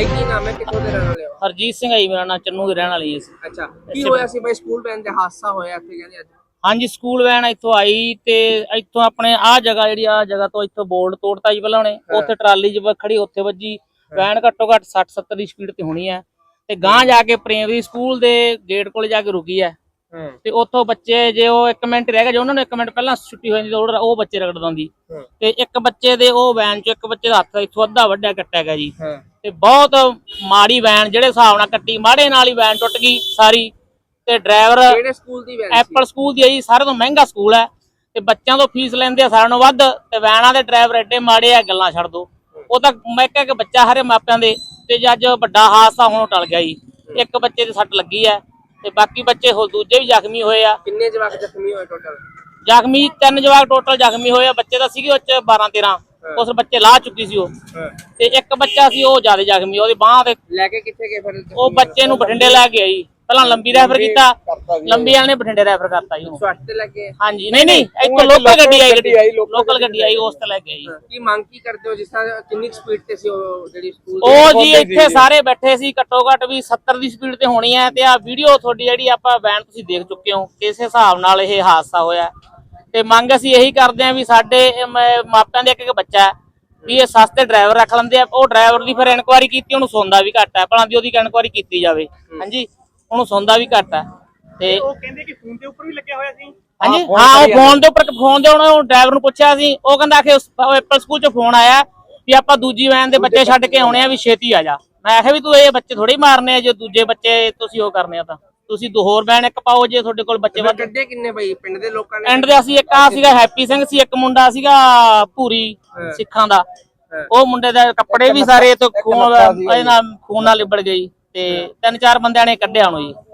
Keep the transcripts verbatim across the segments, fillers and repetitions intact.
ਬਾਈ ਕੀ ਨਾਮ ਹੈ, ਕਿੱਥੋਂ ਦੇ ਰਹਿਣ ਵਾਲੇ ਹੋ? ਹਰਜੀਤ ਸਿੰਘ ਆਈ ਮੇਰਾ ਨਾਮ, ਚੰਨੂ ਦੇ ਰਹਿਣ ਵਾਲੀ ਸੀ। ਅੱਛਾ, ਕੀ ਹੋਇਆ ਸੀ ਬਾਈ? ਸਕੂਲ ਵੈਨ ਤੇ ਹਾਦਸਾ ਹੋਇਆ ਇੱਥੇ ਕਹਿੰਦੇ ਅੱਜ। ਹਾਂਜੀ, ਸਕੂਲ ਵੈਨ ਇੱਥੋਂ ਆਈ ਤੇ ਇੱਥੋਂ ਆਪਣੇ ਆਹ ਜਗ੍ਹਾ ਜਿਹੜੀ ਆ ਜਗ੍ਹਾ ਤੋਂ ਇੱਥੋਂ ਬੋਰਡ ਤੋੜਤਾ ਜੀ ਪਹਿਲਾਂ ਉਹਨੇ, ਉੱਥੇ ਟਰਾਲੀ ਜ ਖੜੀ ਉੱਥੇ ਵੱਜੀ। ਵੈਨ ਘੱਟੋ ਘੱਟ ਸੱਠ ਸੱਤਰ ਦੀ ਸਪੀਡ ਤੇ ਹੋਣੀ ਹੈ ਤੇ ਗਾਂਹ ਜਾ ਕੇ ਪ੍ਰਾਇਮਰੀ ਸਕੂਲ ਦੇ ਗੇਟ ਕੋਲ ਜਾ ਕੇ ਰੁਕੀ ਹੈ ਤੇ ਉੱਥੋਂ ਬੱਚੇ ਜੇ ਉਹ ਇੱਕ ਮਿੰਟ ਰਹਿ ਗਿਆ, ਜੇ ਉਹਨਾਂ ਨੂੰ ਇੱਕ ਮਿੰਟ ਪਹਿਲਾਂ ਛੁੱਟੀ ਹੋ ਜਾਂਦੀ ਉਹ ਬੱਚੇ ਰਗੜ ਦਿੰਦੀ ਤੇ ਇੱਕ ਬੱਚੇ ਦੇ ਉਹ ਵੈਨ ਚ ਇੱਕ ਬੱਚੇ ਦਾ ਹੱਥ ਇੱਥੋਂ ਅੱਧਾ ਵੱਡਾ ਕੱਟਿਆ ਗਿਆ ਜੀ ਤੇ ਬਹੁਤ ਮਾੜੀ ਵੈਨ ਜਿਹੜੇ ਹਿਸਾਬ ਨਾਲ ਕੱਟੀ, ਮਾੜੇ ਨਾਲ ਹੀ ਵੈਨ ਟੁੱਟ ਗਈ ਸਾਰੀ ਤੇ ਡਰਾਈਵਰ ਕਿਹੜੇ ਸਕੂਲ ਦੀ ਵੈਨ? ਐਪਲ ਸਕੂਲ ਦੀ ਹੈ ਜੀ, ਸਾਰਿਆਂ ਤੋਂ ਮਹਿੰਗਾ ਸਕੂਲ ਹੈ ਤੇ ਬੱਚਿਆਂ ਤੋਂ ਫੀਸ ਲੈਂਦੇ ਆ ਸਾਰਿਆਂ ਨੂੰ ਵੱਧ ਤੇ ਵੈਨਾਂ ਦੇ ਡਰਾਈਵਰ ਐਡੇ ਮਾੜੇ ਆ ਗੱਲਾਂ ਛੱਡ ਦੋ। ਉਹ ਤਾਂ ਮੈਂ ਕਿਹਾ ਕਿ ਬੱਚਾ ਹਰੇ ਮਾਪਿਆਂ ਦੇ ਤੇ ਅੱਜ ਵੱਡਾ ਹਾਦਸਾ ਹੁਣ ਟਲ ਗਿਆ ਜੀ। ਇੱਕ ਬੱਚੇ ਦੇ ਸੱਟ ਲੱਗੀ ਹੈ ਤੇ ਬਾਕੀ ਬੱਚੇ ਹੋਰ ਦੂਜੇ ਵੀ ਜ਼ਖਮੀ ਹੋਏ ਆ। ਕਿੰਨੇ ਜਵਾਕ ਜ਼ਖਮੀ ਹੋਏ ਟੋਟਲ? ਜ਼ਖਮੀ ਤਿੰਨ ਜਵਾਕ ਟੋਟਲ ਜ਼ਖਮੀ ਹੋਏ ਆ। ਬੱਚੇ ਤਾਂ ਸੀਗੇ ਉਹ ਚ ਬਾਰਾਂ ਤੇਰਾਂ, ਉਸ ਬੱਚੇ ਲਾਹ ਚੁੱਕੀ ਸੀ ਉਹ ਤੇ ਇੱਕ ਬੱਚਾ ਸੀ ਉਹ ਜ਼ਿਆਦਾ ਜ਼ਖਮੀ, ਉਹਦੀ ਬਾਂਹ ਤੇ ਲੈ ਕੇ ਕਿੱਥੇ ਗਏ ਫਿਰ? ਉਹ ਬੱਚੇ ਨੂੰ ਬਠਿੰਡੇ ਲੈ ਕੇ ਆਈ, ਪਹਿਲਾਂ ਲੰਬੀ ਰੈਫਰ ਕੀਤਾ, ਲੰਬੀ ਵਾਲੇ ਨੇ ਬਠਿੰਡੇ ਰੈਫਰ ਕਰਤਾ ਜੀ। ਸਵਾਸਥ ਤੇ ਲੱਗੇ? ਹਾਂਜੀ, ਨਹੀਂ ਨਹੀਂ ਇੱਥੋਂ ਲੋਕਲ ਗੱਡੀ ਆਈ, ਗੱਡੀ ਲੋਕਲ ਗੱਡੀ ਆਈ ਉਸ ਤੇ ਲੈ ਕੇ ਆਈ। ਕੀ ਮੰਗ ਕੀ ਕਰਦੇ ਹੋ? ਜਿਸ ਤਰ੍ਹਾਂ ਕਿੰਨੀ ਸਪੀਡ ਤੇ ਸੀ ਉਹ ਜਿਹੜੀ ਸਕੂਲ ਉਹ ਜੀ ਇੱਥੇ ਸਾਰੇ ਬੈਠੇ ਸੀ, ਘੱਟੋ ਘੱਟ ਵੀ ਸੱਤਰ ਦੀ ਸਪੀਡ ਤੇ ਹੋਣੀ ਹੈ ਤੇ ਆ ਵੀਡੀਓ ਤੁਹਾਡੀ ਜਿਹੜੀ ਆਪਾਂ ਵੈਨ ਤੁਸੀਂ ਦੇਖ ਚੁੱਕੇ ਹੋ, ਕਿਸ ਹਿਸਾਬ ਨਾਲ ਇਹ ਹਾਦਸਾ ਹੋਇਆ ਤੇ ਮੰਗ ਅਸੀਂ ਇਹੀ ਕਰਦੇ ਹਾਂ ਵੀ ਸਾਡੇ ਮਾਪਿਆਂ ਦੇ ਇੱਕ ਇੱਕ ਬੱਚਾ ਹੈ ਵੀ ਇਹ ਸਸਤੇ ਡਰਾਈਵਰ ਰੱਖ ਲੈਂਦੇ ਆ। ਉਹ ਡਰਾਈਵਰ ਦੀ ਫਿਰ ਇਨਕੁਆਇਰੀ ਕੀਤੀ, ਉਹਨੂੰ ਸੁਣਦਾ ਵੀ ਘੱਟ ਹੈ, ਭਲਾਂ ਦੀ ਉਹਦੀ ਇਨਕੁਆਇਰੀ ਕੀਤੀ ਜਾਵੇ। ਹਾਂਜੀ, ਉਹਨੂੰ ਸੁਣਦਾ ਵੀ ਘੱਟ ਹੈ ਤੇ ਉਹ ਕਹਿੰਦੇ ਕਿ ਫੋਨ ਦੇ ਉੱਪਰ ਵੀ ਲੱਗਿਆ ਹੋਇਆ ਸੀ। ਹਾਂਜੀ ਹਾਂ, ਉਹ ਫੋਨ ਦੇ ਉੱਪਰ ਫੋਨ ਦੇ ਉਹਨੂੰ ਡਰਾਈਵਰ ਨੂੰ ਪੁੱਛਿਆ ਸੀ, ਉਹ ਕਹਿੰਦਾ ਕਿ ਐਪਲ ਸਕੂਲ ਚ ਫੋਨ ਆਇਆ ਵੀ ਆਪਾਂ ਦੂਜੀ ਵੈਨ ਦੇ ਬੱਚੇ ਛੱਡ ਕੇ ਆਉਣੇ ਆ ਵੀ ਛੇਤੀ ਆ ਜਾ। ਮੈਂ ਆਖਿਆ ਵੀ ਤੂੰ ਇਹ ਬੱਚੇ ਥੋੜੇ ਮਾਰਨੇ ਆ, ਜੇ ਦੂਜੇ ਬੱਚੇ ਤੁਸੀਂ ਉਹ ਕਰਨੇ ਆ ਤਾਂ ਤੁਸੀਂ ਦੋ ਹੋਰ ਵੈਨ ਇੱਕ ਪਾਓ ਜੇ ਤੁਹਾਡੇ ਕੋਲ ਬੱਚੇ ਵੱਧ। ਕੱਢੇ ਕਿੰਨੇ ਬਈ ਪਿੰਡ ਦੇ ਲੋਕਾਂ ਨੇ? ਪਿੰਡ ਦੇ ਅਸੀਂ ਇੱਕ ਆ ਸੀਗਾ ਹੈਪੀ ਸਿੰਘ ਸੀ, ਇੱਕ ਮੁੰਡਾ ਸੀਗਾ ਭੂਰੀ ਸਿੱਖਾਂ ਦਾ, ਉਹ ਮੁੰਡੇ ਦੇ ਕੱਪੜੇ ਵੀ ਸਾਰੇ ਤੇ ਖੂਨ ਨਾਲ ਖੂਨ ਨਾਲ ਲਿਬੜ ਗਈ ਤੇ ਤਿੰਨ ਚਾਰ ਬੰਦਿਆਂ ਨੇ ਕੱਢਿਆ ਉਹਨੂੰ ਜੀ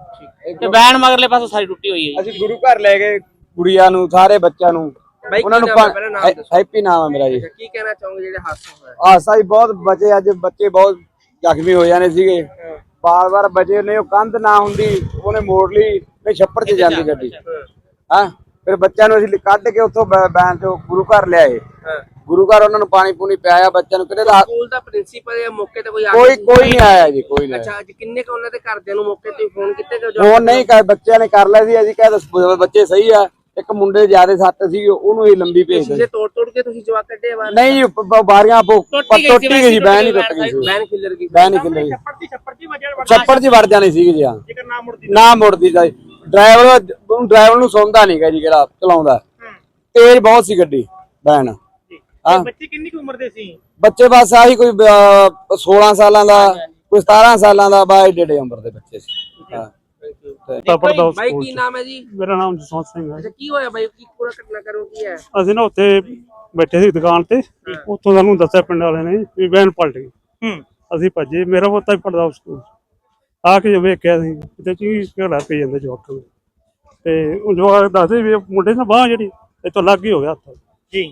ਤੇ ਵੈਨ ਮਗਰਲੇ ਪਾਸੋਂ ਸਾਰੀ ਟੁੱਟੀ ਹੋਈ ਹੈ। ਅਸੀਂ ਗੁਰੂ ਘਰ ਲੈ ਗਏ ਗੁੜੀਆਂ ਨੂੰ, ਸਾਰੇ ਬੱਚਿਆਂ ਨੂੰ, ਉਹਨਾਂ ਨੂੰ ਹੈਪੀ ਨਾਮ ਹੈ ਮੇਰਾ ਜੀ। ਕੀ ਕਹਿਣਾ ਚਾਹੋਗੇ ਜਿਹੜੇ ਹਾਦਸਾ ਹੋਇਆ? ਹਾਦਸਾ ਹੀ ਬਹੁਤ ਬਚੇ, ਅੱਜ ਬੱਚੇ ਬਹੁਤ ਜ਼ਖਮੀ ਹੋ ਜਾਣੇ ਸੀਗੇ, ਬਾਰ ਬਾਰ ਬਚੇ ਨੇ। ਉਹ ਕੰਧ ਨਾ ਹੁੰਦੀ ਉਹਨੇ ਮੋੜ ਲਈ, ਨਹੀਂ ਛੱਪੜ 'ਚ ਜਾਂਦੀ ਗੱਡੀ। ਹਾਂ, ਫਿਰ ਬੱਚਿਆਂ ਨੂੰ ਅਸੀਂ ਕੱਢ ਕੇ ਉੱਥੋਂ ਵੈਨ ਤੋਂ ਗੁਰੂ ਘਰ ਲਿਆਏ। ਗੁਰੂ ਘਰ ਉਹਨਾਂ ਨੂੰ ਪਾਣੀ ਪੂਣੀ ਪਿਆਇਆ ਬੱਚਿਆਂ ਨੂੰ। ਕਿਹੜੇ ਸਕੂਲ ਦਾ ਪ੍ਰਿੰਸੀਪਲ ਜਾਂ ਮੌਕੇ ਤੇ ਕੋਈ ਕੋਈ ਕੋਈ ਨਹੀਂ ਆਇਆ ਜੀ, ਕੋਈ ਨਹੀਂ। ਅੱਛਾ, ਅੱਜ ਕਿੰਨੇ ਕ ਉਹਨਾਂ ਦੇ ਘਰਦਿਆਂ ਨੂੰ ਮੌਕੇ ਤੇ ਫੋਨ ਕੀਤੇ? ਫੋਨ ਨਹੀਂ ਕਰ, ਬੱਚਿਆਂ ਨੇ ਕਰ ਲਿਆ ਸੀ। ਅਸੀਂ ਕਹਿੰਦੇ ਬੱਚੇ ਸਹੀ ਆ, ਇੱਕ ਮੁੰਡੇ ਜਿਆਦਾ ਸੱਟ ਸੀ ਉਹਨੂੰ ਹੀ ਲੰਬੀ ਭੇਜ ਦਿੱਤੀ। ਤੋੜ ਤੋੜ ਕੇ ਤੁਸੀਂ ਜਵਾਕ ਕੱਢੇ ਬਾਹਰ? ਨਹੀਂ, ਬਾਰੀਆਂ ਟੁੱਟੀ ਗਈ ਸੀ, ਵੈਨ ਹੀ ਟੁੱਟ ਗਈ ਸੀ, ਵੈਨ ਖਿੱਲਰ ਗਈ, ਵੈਨ ਹੀ ਖਿੱਲਰ ਗਈ, ਛੱਪੜ 'ਚ ਵੜ ਜਾਣੀ ਸੀਗੀ ਜੀ। ਹਾਂ, ਨਾ ਮੁੜਦੀ ਜਾਈ। ਡਰਾਈਵਰ ਡਰਾਈਵਰ ਨੂੰ ਸੁਣਦਾ ਨਹੀਂ ਗਾ ਜੀ, ਕਿਹੜਾ ਚਲਾਉਂਦਾ, ਤੇਜ਼ ਬਹੁਤ ਸੀ ਗੱਡੀ ਵੈਨ। ਹਾਂ, ਬੱਚੇ ਕਿੰਨੀ ਕੁ ਉਮਰ ਦੇ ਸੀ? ਬੱਚੇ ਬਸ ਆਹੀ ਕੋਈ ਸੋਲਾਂ ਸਾਲਾਂ ਦਾ, ਕੋਈ ਸਤਾਰਾਂ ਸਾਲਾਂ ਦਾ, ਬਾਈ ਡੇਢੇ ਉਮਰ ਦੇ ਬੱਚੇ ਸੀ। ਹਾਂ। ਬਾਈ ਕੀ ਨਾਮ ਹੈ ਜੀ? ਮੇਰਾ ਨਾਮ ਜਸਵੰਤ ਸਿੰਘ ਹੈ। ਅੱਛਾ, ਕੀ ਹੋਇਆ ਬਾਈ? ਕੀ ਪੂਰਾ ਘਟਨਾ ਕਰੋ ਕੀ ਹੈ? ਅਸੀਂ ਨਾ ਉੱਥੇ ਬੈਠੇ ਸੀ ਦੁਕਾਨ ਤੇ, ਉੱਥੋਂ ਸਾਨੂੰ ਦੱਸਿਆ ਪਿੰਡ ਵਾਲਿਆਂ ਨੇ ਵੀ ਵੈਨ ਪਲਟ ਗਈ। ਅਸੀਂ ਭੱਜੇ, ਮੇਰਾ ਪੋਤਾ ਵੀ ਪੜਦਾ ਉਸ ਸਕੂਲ, ਆ ਕੇ ਵੇਖਿਆ ਸੀ ਕਿਤੇ ਚੀਜ਼ ਝਗੜਾ ਪਈ ਜਾਂਦਾ ਜਵਾਕ ਨੂੰ ਤੇ ਉਹ ਜਵਾਕ ਦੱਸਦੇ ਵੀ ਮੁੰਡੇ ਨਾਲ ਬਾਂਹ ਜਿਹੜੀ ਇੱਥੋਂ ਲੱਗ ਹੀ ਹੋ ਗਿਆ ਹੱਥ ਜੀ।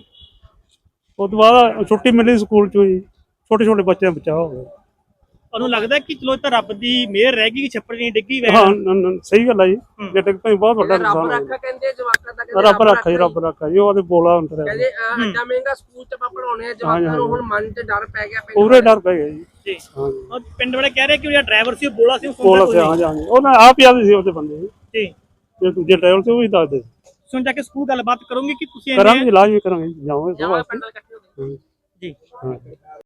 ਉਸ ਤੋਂ ਬਾਅਦ ਛੁੱਟੀ ਮਿਲੀ ਸਕੂਲ ਚੋਂ ਜੀ, ਛੋਟੇ ਛੋਟੇ ਬੱਚਿਆਂ ਦਾ ਬਚਾਅ ਹੋ ਗਿਆ। ਤੁਹਾਨੂੰ ਲੱਗਦਾ ਕਿ ਚਲੋ ਤਾਂ ਰੱਬ ਦੀ ਮਿਹਰ ਰਹਿ ਗਈ, ਛੱਪੜ ਨਹੀਂ ਡਿੱਗੀ? ਹਾਂ, ਸਹੀ ਗੱਲ ਹੈ ਜੀ, ਜੇ ਡਿੱਗ ਪਈ ਬਹੁਤ ਵੱਡਾ ਨੁਕਸਾਨ ਰੱਬ ਰੱਖਾ ਕਹਿੰਦੇ ਜਵਾਕਾਂ ਦਾ, ਰੱਬ ਰੱਖਾ ਜੀ, ਰੱਬ ਰੱਖਾ ਜੀ। ਉਹਦੇ ਬੋਲਾ ਹੁੰਦਾ ਕਹਿੰਦੇ ਐਡਾ ਮਹਿੰਗਾ ਸਕੂਲ ਚ ਆਪਾਂ ਪੜਾਉਣੇ ਆ ਜਵਾਕਾਂ ਨੂੰ, ਹੁਣ ਮਨ ਚ ਡਰ ਪੈ ਗਿਆ, ਪੂਰੇ ਡਰ ਪੈ ਗਿਆ ਜੀ। ਹਾਂ, ਪਿੰਡ ਵਾਲੇ ਕਹਿ ਰਹੇ ਕਿ ਜਿਹੜਾ ਡਰਾਈਵਰ ਸੀ ਉਹ ਬੋਲਾ ਸੀ, ਉਹ ਬੋਲਾ ਸੀ। ਹਾਂ ਜੀ, ਉਹਨਾਂ ਆਪ ਹੀ ਆਦੇ ਸੀ ਉਹਦੇ ਬੰਦੇ ਜੀ, ਜੇ ਦੂਜੇ ਡਰਾਈਵਰ ਸੀ ਉਹ ਵੀ ਦੱਸਦੇ। ਸੁਣ ਜਾ ਕੇ ਸਕੂਲ ਗੱਲਬਾਤ ਕਰੋਗੇ ਕਿ ਤੁਸੀਂ? ਕਰਾਂਗੇ, ਲਾਜ਼ਮੀ ਕਰਾਂਗੇ, ਜਾਵਾਂਗੇ ਜੀ।